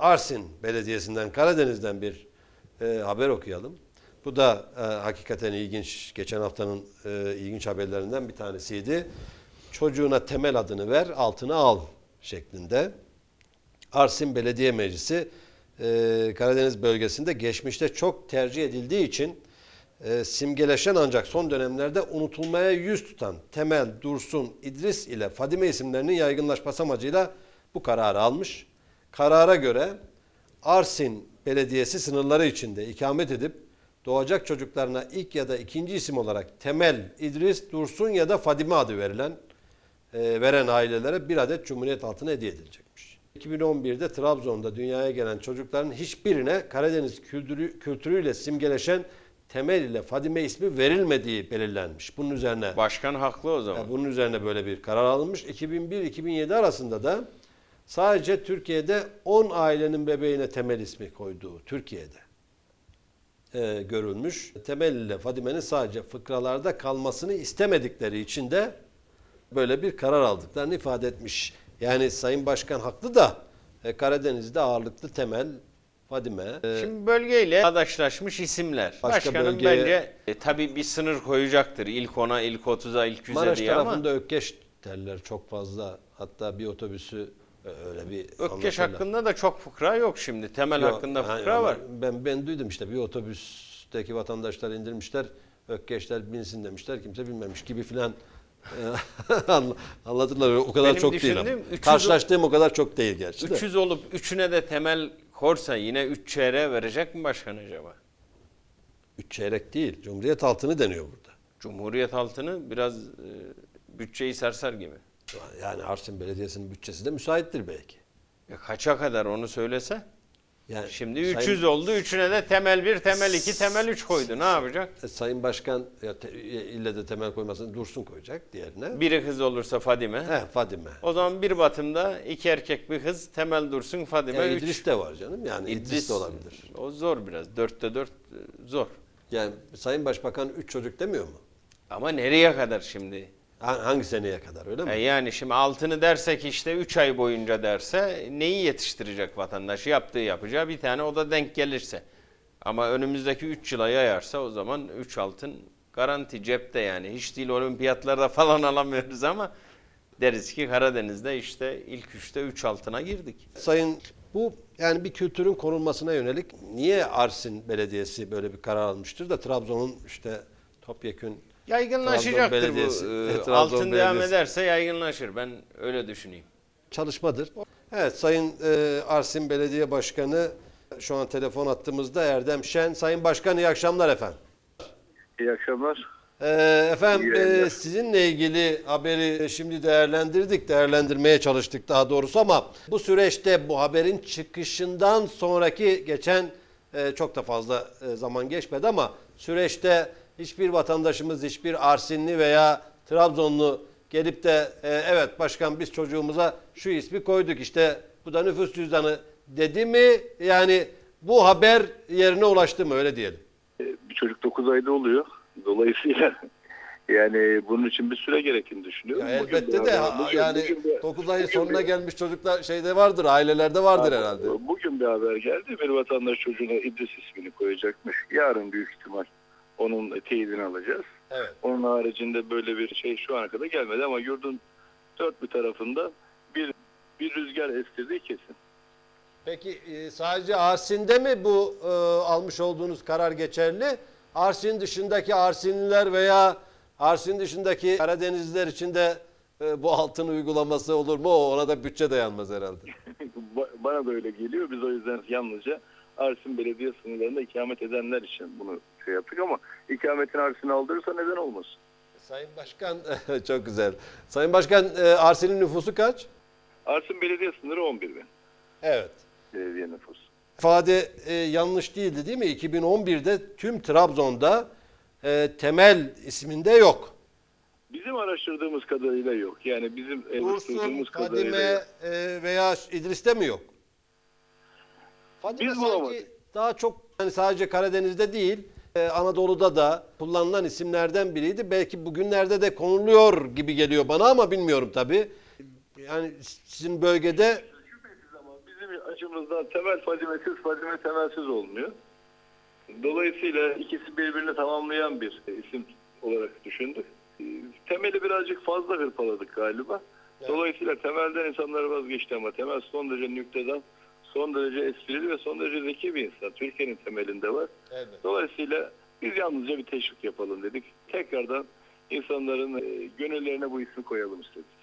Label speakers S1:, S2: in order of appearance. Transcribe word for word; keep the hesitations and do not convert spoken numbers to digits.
S1: Arsin Belediyesi'nden, Karadeniz'den bir e, haber okuyalım. Bu da e, hakikaten ilginç, geçen haftanın e, ilginç haberlerinden bir tanesiydi. Çocuğuna temel adını ver, altını al şeklinde. Arsin Belediye Meclisi e, Karadeniz bölgesinde geçmişte çok tercih edildiği için e, simgeleşen ancak son dönemlerde unutulmaya yüz tutan Temel, Dursun, İdris ile Fadime isimlerinin yaygınlaşması amacıyla bu kararı almış. Karara göre Arsin Belediyesi sınırları içinde ikamet edip doğacak çocuklarına ilk ya da ikinci isim olarak Temel, İdris, Dursun ya da Fadime adı verilen e, veren ailelere bir adet Cumhuriyet altını hediye edilecekmiş. iki bin on birde Trabzon'da dünyaya gelen çocukların hiçbirine Karadeniz kültürü, kültürüyle simgeleşen Temel ile Fadime ismi verilmediği belirlenmiş. Bunun üzerine
S2: Başkan haklı o zaman.
S1: yani bunun üzerine böyle bir karar alınmış. iki bin bir iki bin yedi arasında da sadece Türkiye'de on ailenin bebeğine Temel ismi koyduğu Türkiye'de e, görülmüş. Temel ile Fadime'nin sadece fıkralarda kalmasını istemedikleri için de böyle bir karar aldıklarını ifade etmiş. Yani Sayın Başkan haklı da e, Karadeniz'de ağırlıklı Temel, Fadime. E,
S2: Şimdi bölgeyle adaşlaşmış isimler.
S1: Başka
S2: Başkanın
S1: bölgeye-
S2: bence e, tabii bir sınır koyacaktır. İlk ona, ilk otuza, ilk yüze
S1: Maraş
S2: diye ama
S1: tarafında Ökkeş derler çok fazla. Hatta bir otobüsü e, öyle bir
S2: Ökkeş
S1: anlatırlar.
S2: hakkında da çok fıkra yok şimdi. Temel
S1: Yok,
S2: hakkında
S1: yani
S2: fıkra
S1: ama
S2: var.
S1: Ben ben duydum işte bir otobüsteki vatandaşlar indirmişler. Ökkeşler binsin demişler. Kimse bilmemiş gibi filan e, anla- anlatırlar. O kadar
S2: Benim
S1: çok değil ama.
S2: düşündüğüm üç yüz
S1: Karşılaştığım o kadar çok değil gerçi de.
S2: üç yüz olup üçüne de temel korsa yine üç çeyreğe verecek mi başkan acaba?
S1: Üç çeyrek değil. Cumhuriyet altını deniyor burada.
S2: Cumhuriyet altını biraz e, bütçeyi sarsar gibi.
S1: Yani Arsin Belediyesi'nin bütçesi de müsaittir belki.
S2: Ya kaça kadar onu söylese?
S1: Yani
S2: Şimdi
S1: Sayın-
S2: üç yüz oldu. Üçüne de temel bir, temel iki, temel üç koydu. Ne yapacak?
S1: E, Sayın Başkan ya te, ille de temel koymasını Dursun koyacak diğerine.
S2: Biri kız olursa Fadime.
S1: He, Fadime.
S2: O zaman bir batımda iki erkek bir kız Temel Dursun Fadime
S1: Ya
S2: üç.
S1: İdris de var canım. Yani İdris, de olabilir.
S2: O zor biraz. Dörtte dört e, zor.
S1: Yani Sayın Başbakan üç çocuk demiyor mu?
S2: Ama nereye kadar şimdi?
S1: Ha- Hangi seneye kadar öyle mi?
S2: E yani şimdi altını dersek işte üç ay boyunca derse neyi yetiştirecek vatandaşı? Yaptığı yapacağı bir tane o da denk gelirse. Ama önümüzdeki üç yıla yayarsa o zaman üç altın garanti cepte yani. Hiç değil olimpiyatlarda falan alamıyoruz ama deriz ki Karadeniz'de işte ilk üçte üç altına girdik.
S1: Sayın bu yani bir kültürün korunmasına yönelik niye Arsin Belediyesi böyle bir karar almıştır da Trabzon'un işte topyekün
S2: Yaygınlaşacaktır
S1: Trabzon
S2: bu.
S1: Belediyesi,
S2: Ee,
S1: e, Trabzon
S2: Altın devam
S1: Belediyesi.
S2: ederse yaygınlaşır. Ben öyle düşüneyim.
S1: çalışmadır. Evet Sayın e, Arsin Belediye Başkanı şu an telefon attığımızda Erdem Şen. Sayın Başkan iyi akşamlar efendim.
S3: İyi akşamlar.
S1: E, efendim
S3: İyi yayınlar.
S1: e, sizinle ilgili haberi şimdi değerlendirdik, değerlendirmeye çalıştık daha doğrusu ama bu süreçte bu haberin çıkışından sonraki geçen e, çok da fazla e, zaman geçmedi ama süreçte hiçbir vatandaşımız, hiçbir Arsinli veya Trabzonlu gelip de e, evet başkan biz çocuğumuza şu ismi koyduk işte bu da nüfus cüzdanı dedi mi? Yani bu haber yerine ulaştı mı öyle diyelim.
S3: Bir çocuk dokuz ayda oluyor. Dolayısıyla yani bunun için bir süre gerektiğini düşünüyorum.
S1: Ya
S3: Bugün
S1: elbette
S3: bir
S1: de
S3: haber-
S1: ha-
S3: bugün-
S1: yani
S3: bugün bir-
S1: dokuz ayın
S3: bugün
S1: sonuna
S3: bir-
S1: gelmiş çocuklar şeyde vardır, ailelerde vardır herhalde.
S3: Bugün bir haber geldi. Bir vatandaş çocuğuna İdris ismini koyacakmış. Yarın büyük ihtimal onun teyidini alacağız.
S1: Evet.
S3: Onun haricinde böyle bir şey şu ana kadar gelmedi ama yurdun dört bir tarafında bir bir rüzgar estirdiği kesin.
S1: Peki e, sadece Arsin'de mi bu e, almış olduğunuz karar geçerli? Arsin dışındaki Arsinliler veya Arsin dışındaki Karadenizliler için de e, bu altın uygulaması olur mu? O ona da bütçe dayanmaz herhalde.
S3: Ba- Bana da öyle geliyor. Biz o yüzden yalnızca Arsin Belediye sınırlarında ikamet edenler için bunu şey yaptık ama ikametini Arsin'e aldırırsa neden olmasın?
S1: Sayın Başkan çok güzel. Sayın Başkan e, Arsin'in nüfusu kaç?
S3: Arsin Belediye sınırı on bir bin.
S1: Evet.
S3: Belediye nüfusu.
S1: İfade e, yanlış değildi değil mi? iki bin on birde tüm Trabzon'da e, Temel isminde yok.
S3: Bizim araştırdığımız kadarıyla yok. Yani bizim
S1: Dursun,
S3: oluşturduğumuz kadarıyla
S1: Fadime
S3: yok.
S1: e, veya İdris'te mi yok? Fadime
S3: Biz
S1: sanki
S3: bulamadık.
S1: daha çok yani sadece Karadeniz'de değil e, Anadolu'da da kullanılan isimlerden biriydi. Belki bugünlerde de konuluyor gibi geliyor bana ama bilmiyorum tabii. Yani sizin bölgede
S3: Şüphesiz ama bizim açımızdan temel fazimesiz, fazime temelsiz olmuyor. Dolayısıyla ikisi birbirini tamamlayan bir isim olarak düşündük. Temeli birazcık fazla hırpaladık galiba.
S1: Evet.
S3: Dolayısıyla temelden insanlar vazgeçti ama Temel son derece nükteden, son derece esprili ve son derece zeki bir insan. Türkiye'nin temelinde var.
S1: Evet.
S3: Dolayısıyla biz yalnızca bir teşvik yapalım dedik. Tekrardan insanların e, gönüllerine bu ismi koyalım istedik.